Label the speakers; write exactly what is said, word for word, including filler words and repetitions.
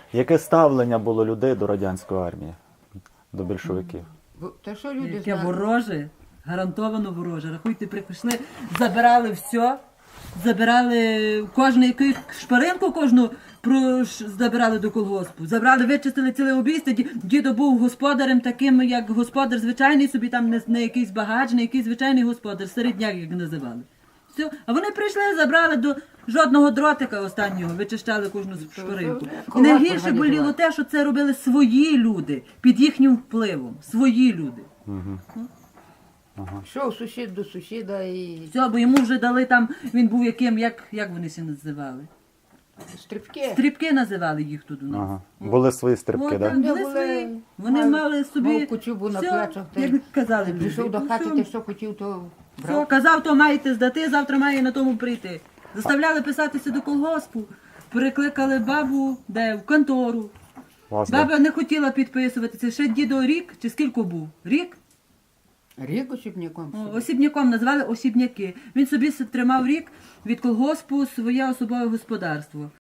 Speaker 1: Яке ставлення було людей до радянської армії, до більшовиків?
Speaker 2: Бо- Та що люди
Speaker 3: Яке
Speaker 2: знали?
Speaker 3: вороже, гарантовано вороже. Рахуйте, прийшли, забирали все, забирали кожну яку шпаринку, кожну про, забирали до колгоспу. Забрали, вичистили ціле обійстя. Ді- Дідо був господарем таким, як господар звичайний, собі там не, не якийсь багач, не якийсь звичайний господар, середняк, як називали. Все. А вони прийшли, забрали до жодного дротика останнього, вичищали кожну шпаринку. І
Speaker 2: Колгосп
Speaker 3: найгірше
Speaker 2: організував.
Speaker 3: боліло те, що це робили свої люди, під їхнім впливом. Свої люди.
Speaker 2: Йшов сусід до сусіда і
Speaker 3: Все, бо йому вже дали там, він був яким, як, як вони всі називали?
Speaker 2: стрибки.
Speaker 3: Стрібки називали їх тут у нас.
Speaker 1: Ага. Були свої стрибки,
Speaker 3: От,
Speaker 1: так?
Speaker 3: там
Speaker 1: Да?
Speaker 3: були
Speaker 2: Були-
Speaker 3: свої. Вони
Speaker 2: мав-
Speaker 3: мали собі.
Speaker 2: мав кучубу на
Speaker 3: все,
Speaker 2: плечах, та й
Speaker 3: як казали.
Speaker 2: Прийшов
Speaker 3: люди.
Speaker 2: до
Speaker 3: Ну,
Speaker 2: хати,
Speaker 3: все.
Speaker 2: ти що хотів, то
Speaker 3: Все,
Speaker 2: брав.
Speaker 3: казав, то маєте здати, завтра має на тому прийти. Заставляли писатися до колгоспу, прикликали бабу, де в контору.
Speaker 1: Вас, да?
Speaker 3: Баба не хотіла підписуватися. Ще дідо рік, чи скільки був? Рік?
Speaker 2: Рік осібняком.
Speaker 3: О, Осібняком назвали осібняки. Він собі с- тримав рік від колгоспу своє особове господарство.